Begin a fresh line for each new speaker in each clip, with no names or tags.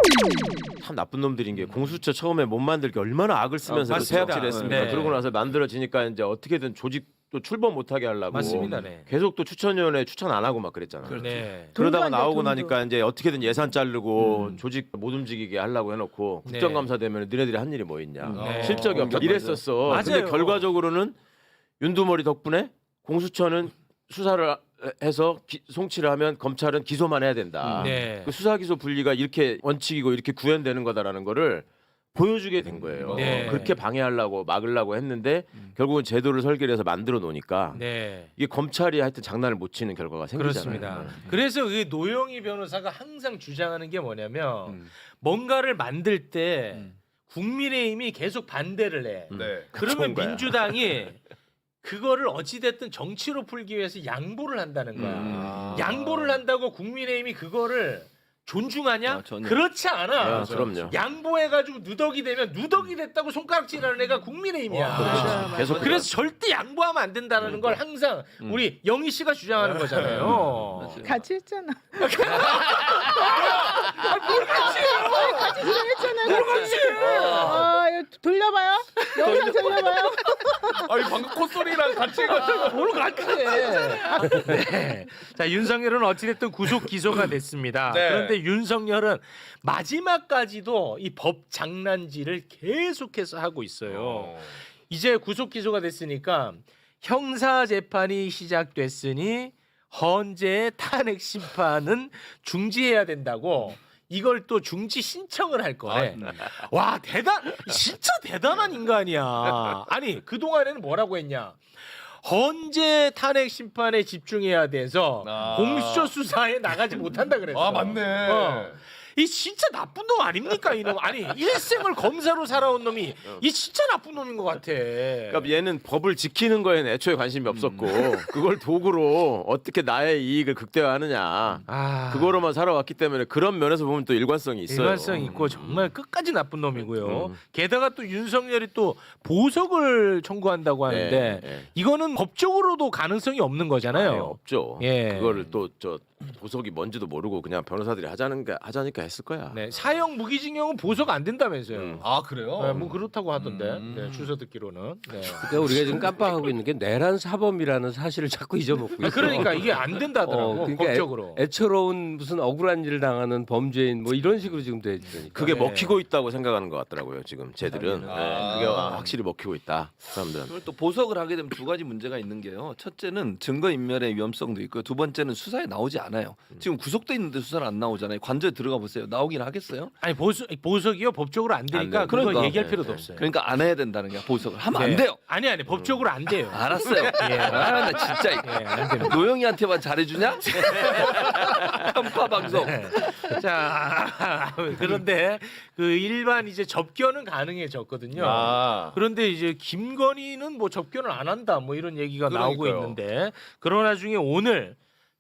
참 나쁜 놈들인 게 공수처 처음에 못 만들게 얼마나 악을 쓰면서 그 태학질 했습니까?
네.
그러고 나서 만들어지니까 이제 어떻게든 조직도 출범 못하게 하려고
맞습니다. 네.
계속 또 추천위원회 추천 안 하고 막 그랬잖아요.
네.
그러다가
돈도
나오고
안 돼,
나니까 이제 어떻게든 예산 자르고 조직 못 움직이게 하려고 해놓고
네.
국정감사 되면 너네들이 한 일이 뭐 있냐.
네.
실적이 없다. 이랬었어.
맞아요.
근데 결과적으로는 윤두머리 덕분에 공수처는 수사를 해서 송치를 하면 검찰은 기소만 해야 된다.
네.
그 수사 기소 분리가 이렇게 원칙이고 이렇게 구현되는 거다라는 거를 보여주게 된 거예요.
네.
그렇게 방해하려고 막으려고 했는데 결국은 제도를 설계를 해서 만들어 놓으니까
네.
이게 검찰이 하여튼 장난을 못 치는 결과가 생기잖아요.
그렇습니다. 그래서 그 노영희 변호사가 항상 주장하는 게 뭐냐면 뭔가를 만들 때 국민의힘이 계속 반대를 해.
네.
그러면
좋은 거야.
민주당이 그거를 어찌됐든 정치로 풀기 위해서 양보를 한다는 거야. 양보를 한다고 국민의힘이 그거를 존중하냐?
아, 전혀.
그렇지 않아.
아, 그럼요.
양보해가지고 누덕이 되면 누덕이 됐다고 손가락질하는 애가 국민의힘이야.
그렇지. 계속
그래서 절대 양보하면 안 된다는 걸 항상 우리 영희 씨가 주장하는 거잖아요.
같이 했잖아. 같이 주장했잖아요. 같이. 이거 돌려봐요. 영상 돌려봐요.
아니 방금 콧소리랑 같이 해가지고
뭘 같이 해. 네. 자, 윤석열은 어찌됐든 구속 기소가 됐습니다.
네.
그런데 윤석열은 마지막까지도 이 법 장난질을 계속해서 하고 있어요. 이제 구속 기소가 됐으니까 형사 재판이 시작됐으니 헌재의 탄핵 심판은 중지해야 된다고 이걸 또 중지 신청을 할 거래. 와, 진짜 대단한 인간이야. 아니, 그동안에는 뭐라고 했냐? 헌재 탄핵 심판에 집중해야 돼서 공수처 수사에 나가지 못한다 그랬어.
아 맞네.
이 진짜 나쁜 놈 아닙니까 이놈? 아니 일생을 검사로 살아온 놈이 이 진짜 나쁜 놈인 것 같아.
그러니까 얘는 법을 지키는 거에는 애초에 관심이 없었고 그걸 도구로 어떻게 나의 이익을 극대화하느냐 그거로만 살아왔기 때문에 그런 면에서 보면 또 일관성이 있어요.
일관성 있고 정말 끝까지 나쁜 놈이고요. 게다가 또 윤석열이 또 보석을 청구한다고 하는데 이거는 법적으로도 가능성이 없는 거잖아요.
없죠.
예.
그거를 또 저 보석이 뭔지도 모르고 그냥 변호사들이 하자니까 했을 거야.
네, 사형 무기징역은 보석 안 된다면서요.
아 그래요?
네, 뭐 그렇다고 하던데 네, 주소 듣기로는. 네.
그러니까 우리가 지금 깜빡하고 있는 게 내란 사범이라는 사실을 자꾸 잊어먹고 있어.
그러니까 이게 안 된다더라고
그러니까
법적으로.
애처로운 무슨 억울한 일을 당하는 범죄인 뭐 이런 식으로 지금 돼 있으니까.
그게
네.
먹히고 있다고 생각하는 것 같더라고요. 지금 쟤들은 그게 확실히 먹히고 있다. 사람들은.
그걸 또 보석을 하게 되면 두 가지 문제가 있는 게요. 첫째는 증거 인멸의 위험성도 있고요. 두 번째는 수사에 나오지 않아요. 지금 구속돼 있는데 수사를 안 나오잖아요. 관저에 들어가 보세요. 나오긴 하겠어요?
아니 보석이요 법적으로 안 되니까
안
그거
그러니까.
얘기할 필요도 없어요.
그러니까 안 해야 된다는 게 보석을 하면
네.
안 돼요.
아니 법적으로 안 돼요.
알았어요.
예.
아, 나 진짜
예, 안 됩니다.
노영이한테만 잘해주냐? 편파 방송.
자 그런데 그 일반 이제 접견은 가능해졌거든요. 그런데 이제 김건희는 뭐 접견을 안 한다 뭐 이런 얘기가 나오고
그러니까요.
있는데 그러나 중에 오늘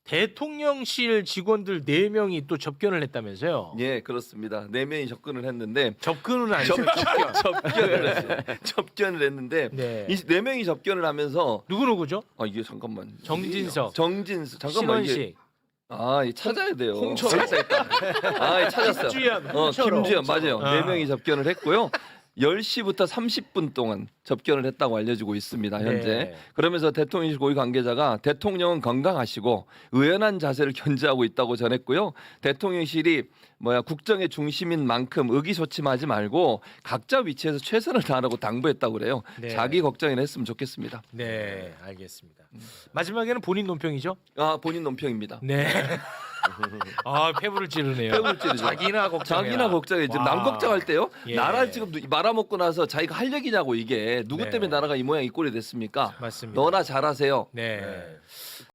대통령실 직원들 4명이 또 접견을 했다면서요?
예, 그렇습니다. 4명이 접근을 했는데
접근은 아니죠.
접견을 했어요. 접견을 했는데
네.
이 4명이 접견을 하면서
누구죠?
아 이게 잠깐만
정진석,
정진석 잠깐만 이게
신원식,
이 찾아야 돼요.
홍철호.
찾았어요.
김주현, 홍철호.
김주현 맞아요.
아.
4명이 접견을 했고요. 10시부터 30분 동안 접견을 했다고 알려지고 있습니다. 현재.
네.
그러면서 대통령실 고위 관계자가 대통령은 건강하시고 의연한 자세를 견지하고 있다고 전했고요. 대통령실이 국정의 중심인 만큼 의기소침하지 말고 각자 위치에서 최선을 다하라고 당부했다고 그래요.
네.
자기 걱정이나 했으면 좋겠습니다.
네, 알겠습니다. 마지막에는 본인 논평이죠?
본인 논평입니다.
네. 패부를 찌르네요.
패부를 찌르죠.
자기나 걱정해.
자기나 걱정해. 지금 남 걱정할 때요.
예.
나라 지금 말아먹고 나서 자기가 할 얘기냐고 이게 누구
네.
때문에 나라가 이 모양 이 꼴이 됐습니까?
맞습니다.
너나 잘하세요.
네.